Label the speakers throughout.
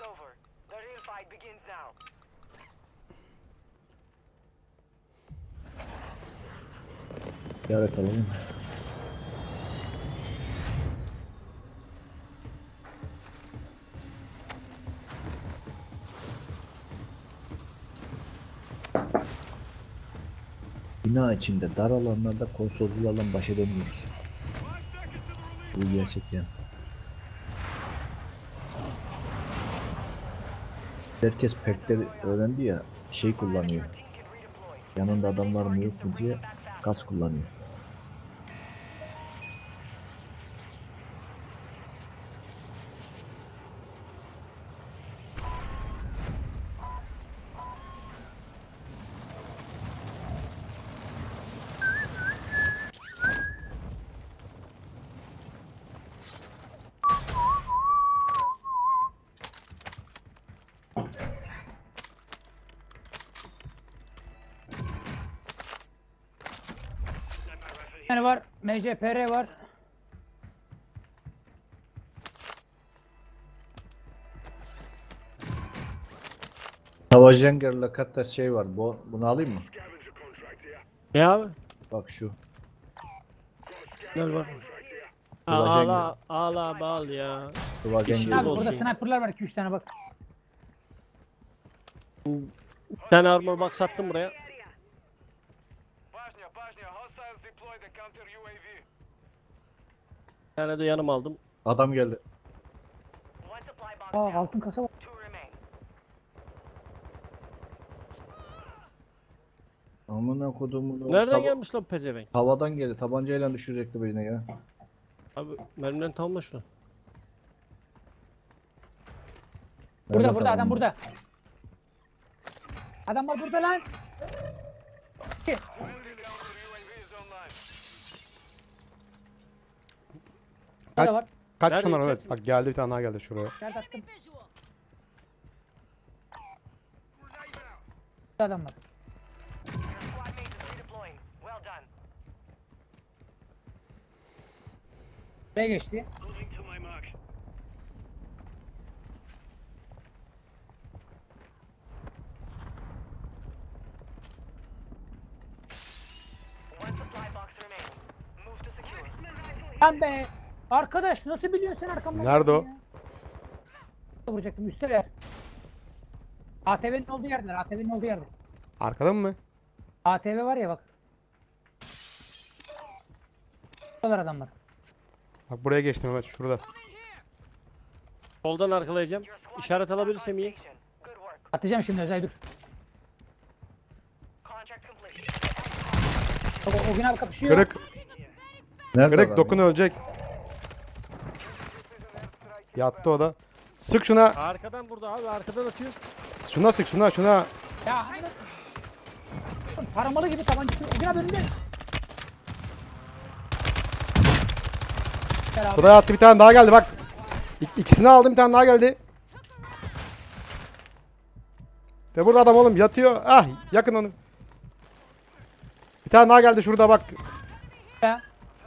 Speaker 1: Ziyaret alalım. Bina içinde dar alanlarda konsolcularla baş edemiyoruz. Bu gerçekten. Herkes perkleri öğrendi ya, şey kullanıyor. Yanında adamlar mı yok mu diye gaz kullanıyor.
Speaker 2: Yani var, MCPR var.
Speaker 1: Tavajenger'la katta şey var. Bunu alayım mı?
Speaker 3: Ne abi?
Speaker 1: Bak şu.
Speaker 3: Gel bak.
Speaker 1: Kıvacan
Speaker 3: Ağla ağla bağl ya.
Speaker 1: Kıvajen
Speaker 3: İşin
Speaker 1: gibi.
Speaker 2: Abi
Speaker 3: olsun.
Speaker 2: burada sniper'lar var 2-3 tane bak.
Speaker 3: Bir tane armor box sattım buraya. Bir tane de yanıma aldım.
Speaker 1: Adam geldi.
Speaker 2: Aa altın kasa var.
Speaker 1: Amına kodumu.
Speaker 3: Nereden gelmiş lan pezevenk?
Speaker 1: Havadan geldi. Tabancayla düşürecekti beni ya.
Speaker 3: Abi mermiden tamamla şunu.
Speaker 2: Burada
Speaker 1: Nerede
Speaker 2: burada adam
Speaker 1: tamam?
Speaker 2: burada. Adam var burada lan. Ki. Burada var.
Speaker 4: Kaç
Speaker 3: Nerede
Speaker 4: şunlar evet.
Speaker 3: yükselsin?
Speaker 4: Bak geldi bir tane daha geldi şuraya.
Speaker 2: Nerede attım? Burada adam var. Buraya geçti. Lan be. Arkadaş nasıl biliyorsun sen arkamdan?
Speaker 4: Nerede o?
Speaker 2: ya? Vuracaktım üsteler. ATV'nin olduğu yerdeler. ATV'nin olduğu yerde.
Speaker 4: Arkada mı?
Speaker 2: ATV var ya bak. Buralar adamlar.
Speaker 4: Bak buraya geçtim evet şurada.
Speaker 3: Soldan arkalayacağım. İşaret alabilirsem iyi.
Speaker 2: Atacağım şimdi Özay dur. O gün abi kapışıyor.
Speaker 4: Kırık.
Speaker 1: Nerede
Speaker 4: Kırık
Speaker 1: adam
Speaker 4: dokun
Speaker 1: ya?
Speaker 4: ölecek. Yattı o da. Sık şuna.
Speaker 3: Arkadan burada abi arkadan atıyor.
Speaker 4: Şuna sık şuna şuna.
Speaker 2: Ya hani taramalı gibi tabancası. O gün abi önünde. Gel abi.
Speaker 4: Buraya attı bir tane daha geldi bak. İkisini aldım bir tane daha geldi. De burada adam oğlum yatıyor. Ah yakın onu. Bir tane daha geldi şurada bak.
Speaker 2: Ya.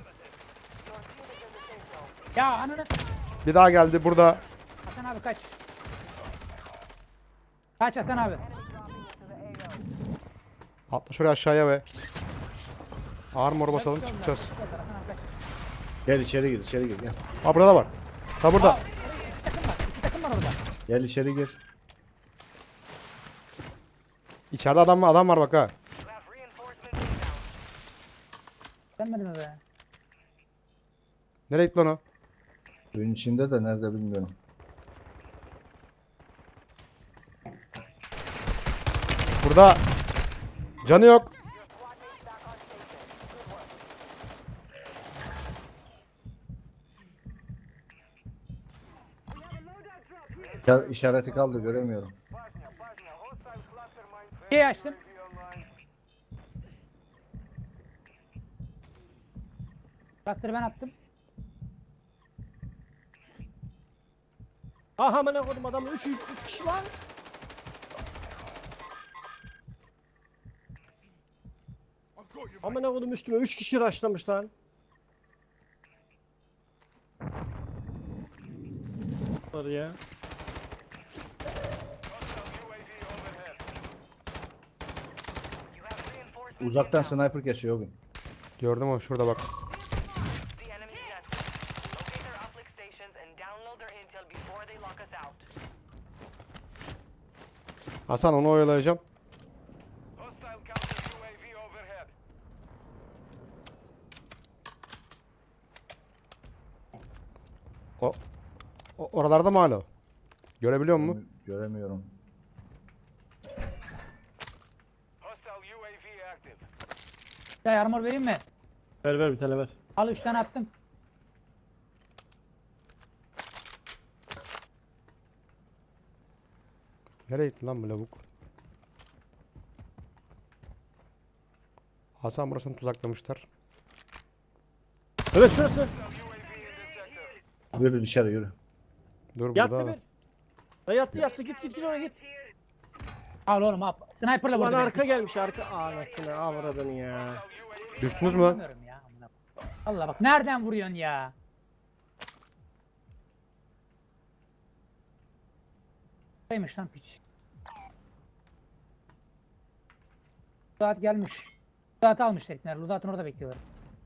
Speaker 2: Ya ananı.
Speaker 4: Bir daha geldi burada.
Speaker 2: Hasan abi kaç. Kaç Hasan abi.
Speaker 4: Atla şuraya aşağıya ve armor basalım çıkacağız.
Speaker 2: Hasan abi kaç.
Speaker 1: Gel içeri gir, içeri gir. Gel.
Speaker 4: Ha burada var. Ha burada.
Speaker 2: İki takım var. İki takım var orada.
Speaker 1: Gel içeri gir.
Speaker 4: İçeride adam var bak ha.
Speaker 2: Denmedi mi be?
Speaker 4: Nereye gitti lan o?
Speaker 1: Suyun içinde de nerede bilmiyorum.
Speaker 4: Burada canı yok.
Speaker 1: Ya, işareti kaldı göremiyorum.
Speaker 2: Şey açtım. Cluster'ı ben attım.
Speaker 3: Aha amına koydum adamı 3 kişi var. Amına koydum üstüme 3 kişi rushlamış lan. Var ya.
Speaker 1: Uzaktan sniper kesiyor o gün.
Speaker 4: Gördüm o şurada bak.
Speaker 5: The enemy's network. Locate their uplink stations and download their intel before they lock us out.
Speaker 4: Hasan onu oyalayacağım.
Speaker 6: Hostile counter UAV overhead.
Speaker 4: Oralarda mı hala? Görebiliyor musun?
Speaker 1: Göremiyorum.
Speaker 6: Hostile UAV active.
Speaker 2: Bir tane armor vereyim mi?
Speaker 3: Ver ver bir tane ver.
Speaker 2: Al 3 tane attım.
Speaker 4: Nereye gitti lan bu lavuk? Hasan burasını tuzaklamışlar.
Speaker 3: Evet şurası.
Speaker 1: Yürü dışarı yürü.
Speaker 4: Dur burada.
Speaker 3: Yattı
Speaker 4: adam.
Speaker 3: bir. Ha, yattı git oraya git.
Speaker 2: Al oğlum al. Sniper'la
Speaker 3: Ulan
Speaker 2: vurdu.
Speaker 3: arka gelmiş arka. Anasını avradını ya.
Speaker 4: Düştünüz mü lan?
Speaker 2: Bilmiyorum ya. amına koyayım. Allah bak nereden vuruyorsun ya? Neymiş lan piç? Saat gelmiş. Saat almış tekneler. Ludat'ın orada bekliyorlar.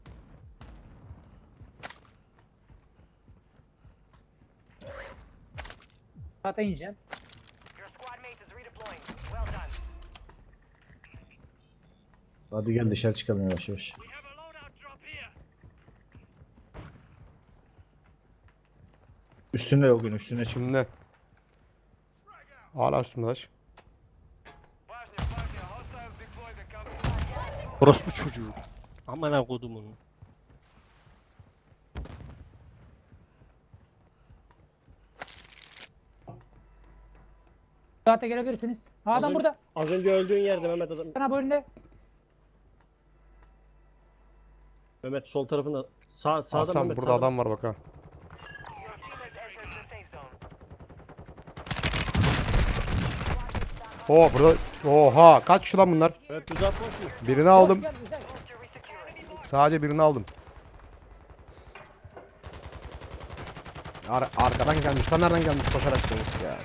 Speaker 2: Saate ineceğim.
Speaker 5: Your squad mate is redeploying. Well done.
Speaker 1: Hadi gel dışarı çıkalım yavaş yavaş.
Speaker 6: We have a loadout drop here.
Speaker 1: Üstünde o gün üstüne çık.
Speaker 4: Şimdi. Hala üstümde taş.
Speaker 6: Важня партия. Hostiles deploy the counter.
Speaker 3: Orospu çocuğu. Aman ha kodumun.
Speaker 2: Saate gelebilirsiniz. Ha, adam burada.
Speaker 3: Az önce öldüğün yerde Mehmet adam.
Speaker 2: Sana bölümde.
Speaker 3: Mehmet sol tarafında. Sağda
Speaker 4: Hasan
Speaker 3: Mehmet
Speaker 4: burada
Speaker 3: sağda.
Speaker 4: adam var bak ha.
Speaker 5: Your teammates entered the safe zone.
Speaker 4: Oo burada. Oha kaç kişi lan bunlar?
Speaker 3: Evet düz atmış mı?
Speaker 4: Birini aldım.
Speaker 2: Gel, güzel.
Speaker 5: To resecure it.
Speaker 4: Sadece birini aldım. Arkadan gelmiş. Lan nereden gelmiş koşarak gelmiş ya.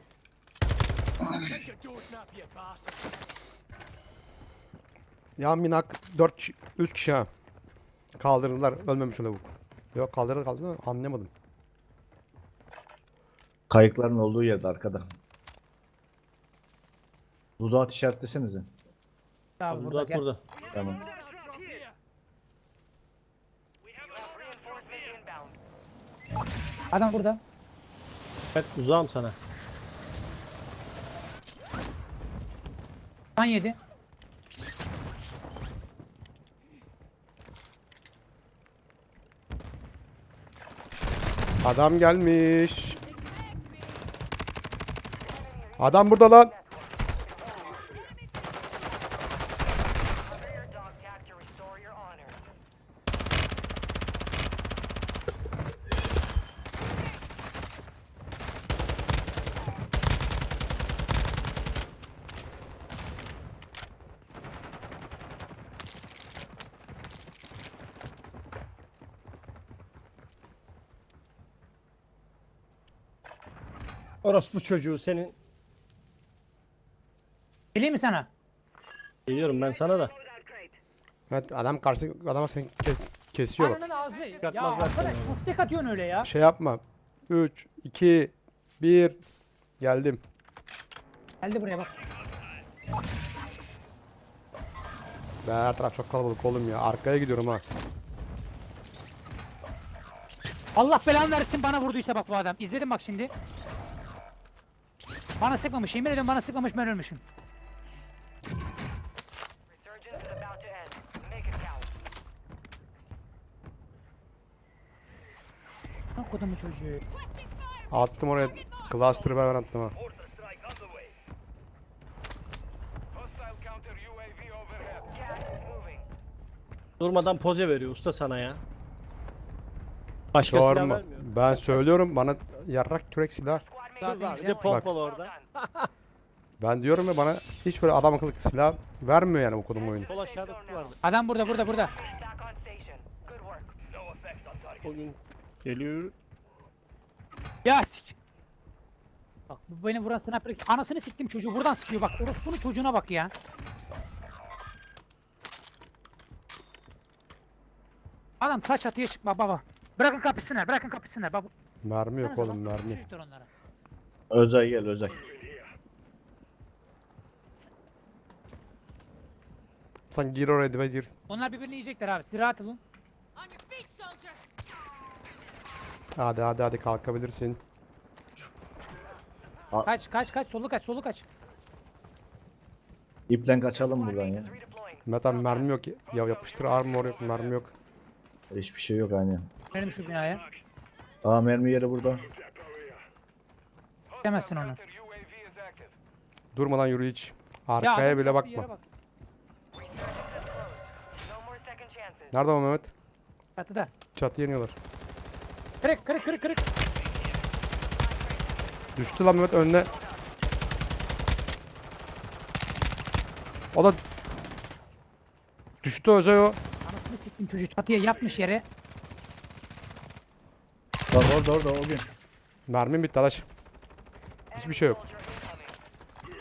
Speaker 4: Yan binak 3 kişi ha. Kaldırdılar. Ölmemiş o lavuk. Yok kaldırdılar anlamadım.
Speaker 1: Kayıkların olduğu yerde arkada. Dudağı işaretlesenize.
Speaker 2: Tamam burada
Speaker 3: Burada
Speaker 2: gel.
Speaker 3: burada.
Speaker 1: Tamam.
Speaker 5: You have reinforcements inbound.
Speaker 2: Adam burada.
Speaker 3: Evet uzağım sana.
Speaker 2: Kan yedi.
Speaker 4: Adam gelmiş. Adam burada lan.
Speaker 5: Cover your dog tag to restore your honor.
Speaker 3: Orospu çocuğu senin.
Speaker 2: Geleyim mi sana?
Speaker 3: Geliyorum ben sana da.
Speaker 4: Evet adam karşı adama seni kesiyor bak.
Speaker 2: Ananın ağzı. Ya
Speaker 3: Çıkartmazlar
Speaker 2: arkadaş
Speaker 3: seni
Speaker 2: nasıl tek atıyorsun öyle ya?
Speaker 4: Şey yapma. 3 2 1 geldim.
Speaker 2: Geldi buraya bak.
Speaker 4: Be her taraf çok kalabalık oğlum ya. Arkaya gidiyorum ha.
Speaker 2: Allah belanı versin bana vurduysa bak bu adam. İzledim bak şimdi. Bana sıkmamış. Yemin ediyorum bana sıkmamış ben ölmüşüm.
Speaker 5: Resurgence is about to end. Make it count.
Speaker 2: Ne kodumu çocuğu.
Speaker 4: Attım oraya. Cluster'ı ben attım ha.
Speaker 6: Mortar strike underway. Hostile counter UAV overhead.
Speaker 5: Gas is moving.
Speaker 3: Durmadan poze veriyor usta sana ya. Başka silah
Speaker 4: Sorma.
Speaker 3: vermiyor.
Speaker 4: Ben söylüyorum bana yarrak kürek silah.
Speaker 5: Squad
Speaker 2: Zaten
Speaker 5: mate
Speaker 2: bir
Speaker 5: is
Speaker 2: de
Speaker 5: deployed.
Speaker 3: pompalı
Speaker 5: Well
Speaker 3: orada.
Speaker 5: done.
Speaker 4: Ben diyorum ya bana hiç böyle adam akıllı silah vermiyor yani okudum oyunu.
Speaker 3: Sol aşağıda kutu vardı.
Speaker 2: Adam burada.
Speaker 5: Back on station. Good work.
Speaker 6: No effect on target.
Speaker 3: O gün geliyor.
Speaker 2: Ya sik. Bak bu beni vuran sniper. Anasını siktim çocuğu buradan sıkıyor bak. Orospunun çocuğuna bak ya. Adam taş çatıya çıkma baba. Bırakın kapısınlar, bırakın kapısınlar baba.
Speaker 4: Mermi yok
Speaker 2: Nasıl
Speaker 4: oğlum
Speaker 2: bak,
Speaker 4: mermi.
Speaker 2: çocuklar onlara.
Speaker 1: Özay gel Özay.
Speaker 4: Sen gir oraya dibe gir.
Speaker 2: Onlar birbirini yiyecekler abi. Siz rahat olun.
Speaker 7: On your feet, soldier.
Speaker 4: Hadi kalkabilirsin.
Speaker 2: Kaç, solu kaç, solu kaç.
Speaker 1: İplen kaçalım buradan ya.
Speaker 5: Redeploying.
Speaker 4: Metan mermi yok ya yapıştır armor yok mermi yok.
Speaker 1: Hiçbir şey yok aynen.
Speaker 2: Benim şu binaya.
Speaker 1: Aa mermi yeri burada.
Speaker 2: Demezsin onu.
Speaker 6: Counter UAV is active.
Speaker 4: Durmadan yürü hiç.
Speaker 2: Ya
Speaker 4: Arkaya
Speaker 2: adam
Speaker 4: bile
Speaker 2: yaptığı yere
Speaker 4: bakma.
Speaker 2: bak.
Speaker 5: No more second chances.
Speaker 4: Nerede o Mehmet?
Speaker 2: Çatıda.
Speaker 4: Çatı yeniyorlar.
Speaker 2: Kırık.
Speaker 4: Düştü lan Mehmet önüne. O da düştü Özay o.
Speaker 2: Anasını siktim çocuğu çatıya yapmış yere.
Speaker 1: Bak orada o gün.
Speaker 4: Mermim bitti arkadaş. Hiçbir şey yok.
Speaker 5: Soldier incoming.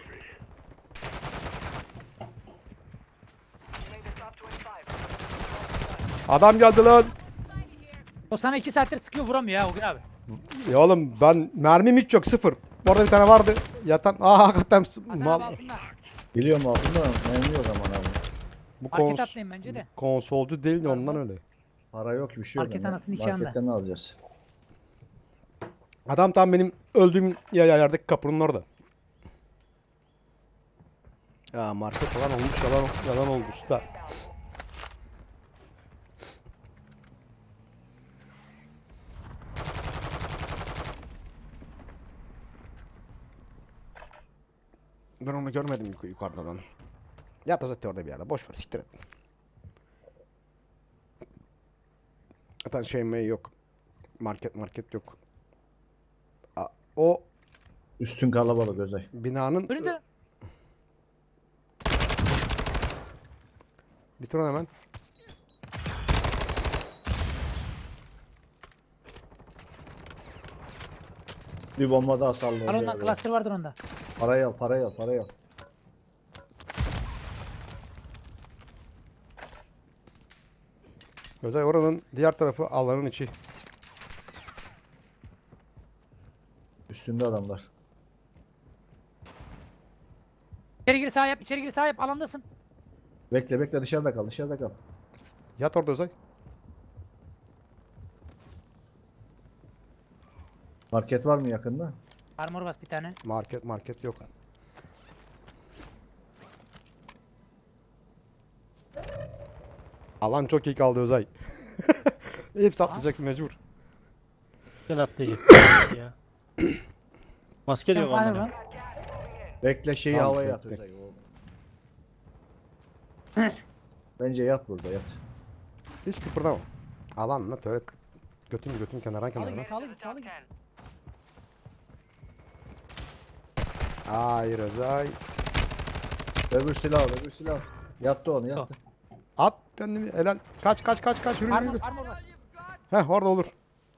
Speaker 5: You made the top 25.
Speaker 4: Adam geldi lan.
Speaker 2: O sana 2 saattir sıkıyor vuramıyor ya o gün abi.
Speaker 4: Ya oğlum ben mermim hiç yok sıfır. Orada bir tane vardı. Yatan hakikaten
Speaker 2: Hasan
Speaker 4: mal.
Speaker 2: abi altında.
Speaker 1: Biliyorum altında mermi yok aman abi.
Speaker 4: Bu
Speaker 2: Market atlayın bence de.
Speaker 4: konsolcu değil de ondan öyle.
Speaker 1: Para yok bir şey yok.
Speaker 2: Market
Speaker 1: yani.
Speaker 2: anasını iki anda.
Speaker 1: Marketten ne alacağız?
Speaker 4: Adam tam benim öldüğüm yerdeki kapının orada. Ya market falan olmuş yalan olmuş da. Ben onu görmedim yukarıdan. Yat zaten orada bir yerde. Boş ver siktir et. Zaten şey yok. Market yok. O
Speaker 1: Üstün kalabalık Özay.
Speaker 4: binanın...
Speaker 2: Önünde.
Speaker 4: Bitir onu hemen.
Speaker 1: Bir bomba daha salladı.
Speaker 2: Al ondan cluster vardır onda.
Speaker 1: Parayı al.
Speaker 4: Özay oranın diğer tarafı alanın içi.
Speaker 1: Üstünde adamlar.
Speaker 2: İçeri gir sağ yap alandasın.
Speaker 1: Bekle dışarıda kal.
Speaker 4: Yat orada Özay.
Speaker 1: Market var mı yakında?
Speaker 2: Armor bas bir tane.
Speaker 4: Market yok. Alan çok iyi kaldı Özay. Hepsi atlayacaksın mecbur.
Speaker 3: Ben atlayacak. ya. Maske de yok
Speaker 2: Var
Speaker 3: amına.
Speaker 2: mı?
Speaker 1: Bekle şeyi
Speaker 4: Tamam,
Speaker 1: havaya at
Speaker 4: bekle.
Speaker 1: Özay. Bence yat burada yat.
Speaker 4: Hiç kıpırdama. Alan lan öyle götün kenardan
Speaker 2: Sağlı
Speaker 4: kenardan.
Speaker 2: git sağlı git sağlı git.
Speaker 5: 10.
Speaker 4: Hayır Özay.
Speaker 1: Öbür silah al. Yattı onu yattı.
Speaker 4: At kendini helal. Kaç yürü.
Speaker 2: Armor bas.
Speaker 4: Heh orada olur.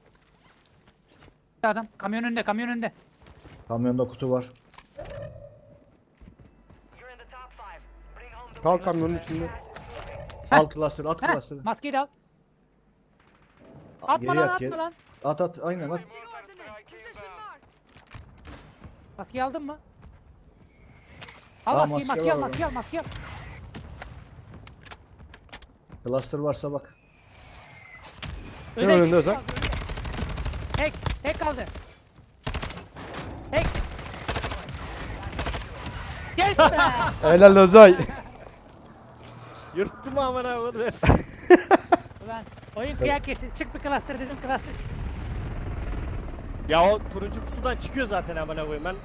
Speaker 2: Adam kamyon önünde.
Speaker 1: Kamyonda kutu var.
Speaker 5: You're in the top 5. Bring home the
Speaker 4: Kal kamyonun içinde.
Speaker 1: Al cluster at
Speaker 2: Heh,
Speaker 1: cluster'ı.
Speaker 2: maskeyi de al. Atma
Speaker 1: Geri
Speaker 2: lan
Speaker 1: at,
Speaker 2: atma
Speaker 1: geri.
Speaker 2: lan.
Speaker 1: At aynen at.
Speaker 7: Ordnance. Position mark.
Speaker 2: Maskeyi aldın mı? Al
Speaker 1: Aa,
Speaker 2: maskeyi
Speaker 1: maske var
Speaker 2: maskeyi al.
Speaker 1: Cluster varsa bak.
Speaker 4: Ne önünde Özay?
Speaker 2: Tek kaldı. Tek. Yes be!
Speaker 4: Helal Özay.
Speaker 3: Yırttım amına koyayım hepsi.
Speaker 2: Ulan oyun kıyak kesin. Çık bir cluster dedim cluster.
Speaker 3: Ya o turuncu kutudan çıkıyor zaten amına koyayım ben.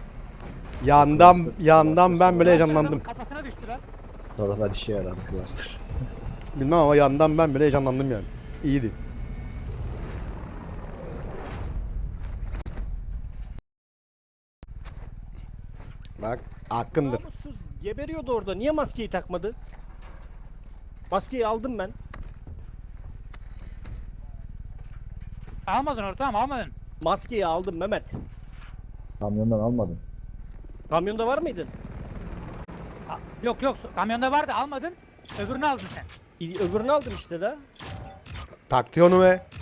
Speaker 4: Yandan ben bile heyecanlandım.
Speaker 2: Kafasına düştü lan.
Speaker 1: Sonra işe yaradı cluster.
Speaker 4: Bilmem ama yandan ben bile heyecanlandım yani. İyiydi. Bak hakkındır.
Speaker 3: Namussuz geberiyordu orada. Niye maskeyi takmadı? Maskeyi aldım ben.
Speaker 2: Almadın ortam almadın.
Speaker 3: Maskeyi aldım Mehmet.
Speaker 1: Kamyondan almadım.
Speaker 3: Kamyonda var mıydın?
Speaker 2: Yok kamyonda vardı almadın. Öbürünü aldın sen.
Speaker 3: Öbürünü aldım işte de.
Speaker 4: Taktı onu be.